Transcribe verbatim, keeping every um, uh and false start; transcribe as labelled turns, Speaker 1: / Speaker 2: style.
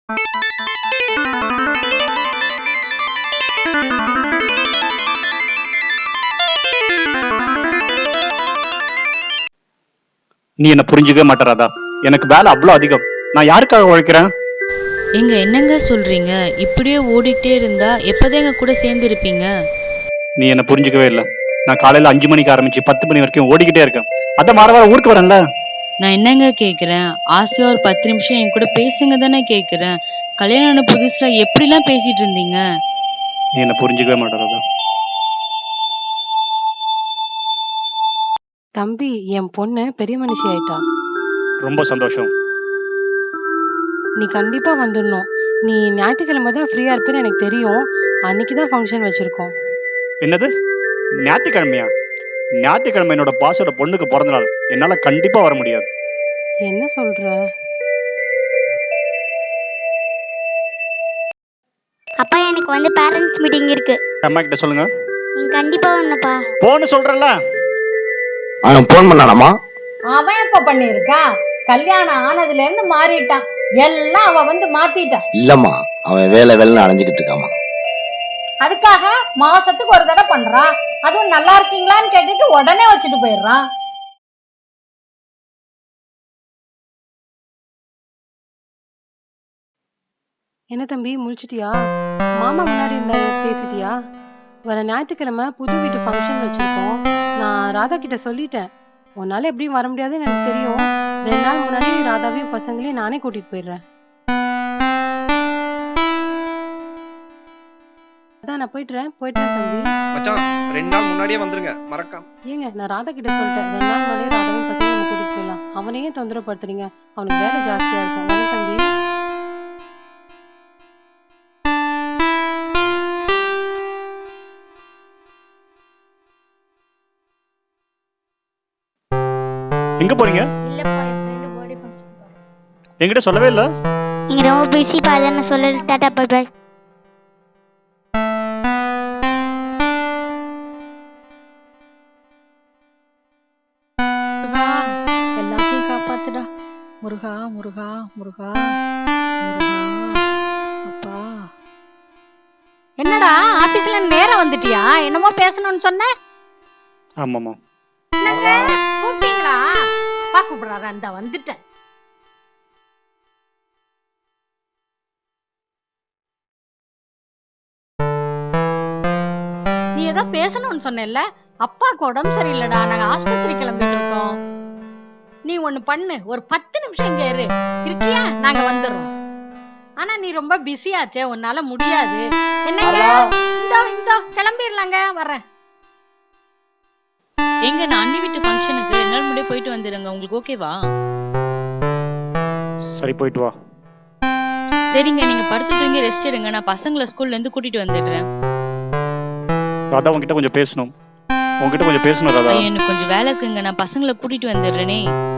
Speaker 1: நீ என்ன புரிஞ்சுக்கவே மாட்டறாதா? எனக்கு வேலை அவ்வளோ அதிகம். நான் யாருக்காக உழைக்கிறேன்?
Speaker 2: எங்க என்னங்க சொல்றீங்க? இப்படியே ஓடிக்கிட்டே இருந்தா எப்பதான் எங்க கூட சேர்ந்து இருப்பீங்க?
Speaker 1: நீ என்ன புரிஞ்சுக்கவே இல்லை. நான் காலையில அஞ்சு மணிக்கு ஆரம்பிச்சு பத்து மணி வரைக்கும் ஓடிக்கிட்டே இருக்கேன். அத மாற வார ஊருக்கு வரேன்ல.
Speaker 2: நான் என்னங்க கேக்குறேன்? ஆசையா ஒரு பத்து நிமிஷம் என் கூட பேசுங்க தானே கேக்குறேன். கல்யாணம் ஆன புதுசுல எப்படிலாம் பேசிட்டு இருந்தீங்க?
Speaker 1: நீ என்ன புரிஞ்சுக்கவே மாட்டறாதா?
Speaker 3: தம்பி, என் பொண்ணு பெரிய மனுஷி ஆயிட்டா.
Speaker 1: ரொம்ப சந்தோஷம்.
Speaker 3: நீ கண்டிப்பா வந்துடணும். நீ ஞாயிற்றுக்கிழமை தான் ஃப்ரீயா இருப்பேன்னு எனக்கு தெரியும். அன்னைக்குதான் ஃபங்க்ஷன் வச்சிருக்கோம்.
Speaker 1: என்னது? ஞாயிற்றுக்கிழமையா? ஞாயிற்றுக்கிழமை என்னோட பாஸோட பொண்ணுக்கு பிறந்த நாள். என்னால கண்டிப்பா வர முடியாது.
Speaker 3: என்ன சொல்ற?
Speaker 4: அப்பா, எனக்கு வந்து பேரண்ட்ஸ் மீட்டிங் இருக்கு.
Speaker 1: அம்மா கிட்ட சொல்லுங்க.
Speaker 4: நீங்க கண்டிப்பா வரணும்ப்பா.
Speaker 1: போன்னு சொல்றேன்ல.
Speaker 5: அவன் போன் பண்ணானாமா?
Speaker 6: அவன் எப்ப பண்ணிருக்கான்? கல்யாணம் ஆனதுல இருந்து மாறிட்டான். எல்லாம் அவ வந்து மாத்திட்டான்.
Speaker 5: இல்லம்மா, அவன் வேலை வேலைன்னு அலைஞ்சுக்கிட்டு இருக்காமா.
Speaker 6: அதுக்காக மாசத்துக்கு ஒரு தடவை பண்றான். அதுவும் நல்லா இருக்கீங்களான்னு கேட்டுட்டு உடனே வச்சுட்டு போயிடுறான்.
Speaker 3: என்ன தம்பி, முழிச்சிட்டியா? மாமா முன்னாடி இருந்தாரு, பேசிட்டியா? வர ஞாயிற்றுக்கிழமை புது வீட்டு ஃபங்க்ஷன் வச்சிருக்கோம். நான் ராதா கிட்ட சொல்லிட்டேன். உன்னால எப்படியும் வர முடியாதுன்னு எனக்கு தெரியும். ரெண்டு நாள் முன்னாடி ராதாவையும் பசங்களையும் நானே கூட்டிட்டு போயிடுறேன். அதான் நான் போயிட்டுறேன் போயிட்டுறேன் தம்பி.
Speaker 7: மச்சான், ரெண்டு நாள் முன்னாடியே வந்துருங்க, மறக்காம.
Speaker 3: ஏங்க, நான் ராதா கிட்ட சொல்லிட்டேன். ரெண்டு நாள் முன்னாடியே ராதாவையும் பசங்களையும் நம்ம கூட்டிட்டு போயிடலாம். அவனையே தொந்தரப்படுத்துறீங்க. அவனுக்கு வேலை ஜாஸ்தியா இருக்கும். வரேன் தம்பி.
Speaker 1: எங்க போறீங்க?
Speaker 4: இல்லப்பா, என் ஃப்ரெண்ட் பர்த்டே ஃபங்க்ஷன் போறேன்.
Speaker 1: என்கிட்ட சொல்லவே இல்லை.
Speaker 4: நீங்க ரொம்ப பிஸிப்பா, அதான் நான் சொல்லல. Tata, by by.
Speaker 6: முருகா, எல்லாத்தையும் காப்பாத்துடா. முருகா முருகா முருகா முருகா. அப்பா, என்னடா ஆபீஸ்ல நேரம் வந்துட்டியா? என்னமோ பேசணும்னு சொன்ன.
Speaker 1: ஆமாமா.
Speaker 6: என்னங்க கூப்பிட்டீங்களா? அப்பா கூப்பிடுறாரு, அந்த வந்துட்டேன். நீ ஏதோ பேசணும்னு சொன்னேல்ல. அப்பாக்கு உடம்பு சரியில்லடா, நாங்க ஆஸ்பத்திரி கிளம்பிட்டு இருக்கோம். நீ ஒண்ணு பண்ணு, ஒரு பத்து நிமிஷம் இங்க இரு. இருக்கியா? நாங்க வந்துடுறோம். ஆனா நீ ரொம்ப பிஸியாச்சே, உன்னால முடியாது. என்னங்க, இந்தோ இந்தோ கிளம்பிடலாங்க, வரேன்.
Speaker 2: எங்க நான் அண்ணி வீட்டு ஃபங்க்ஷனுக்கு ரெண்டு நாள் முன்னாடியே போயிட்டு வந்துடுங்க. உங்களுக்கு ஓகேவா?
Speaker 1: சரி, போயிட்டு வா.
Speaker 2: சரிங்க, நீங்க படுத்து தூங்கி ரெஸ்ட் எடுங்க. நான் பசங்களை ஸ்கூல்ல இருந்து கூட்டிட்டு வந்துடுறேன்.
Speaker 1: ராதா, உன்கிட்ட கொஞ்சம் பேசணும். உன்கிட்ட கொஞ்சம் பேசணும் ராதா.
Speaker 2: எனக்கு கொஞ்சம் வேலை இருக்குங்க. நான் பசங்களை கூட்டிட்டு வந்துடுறேனே.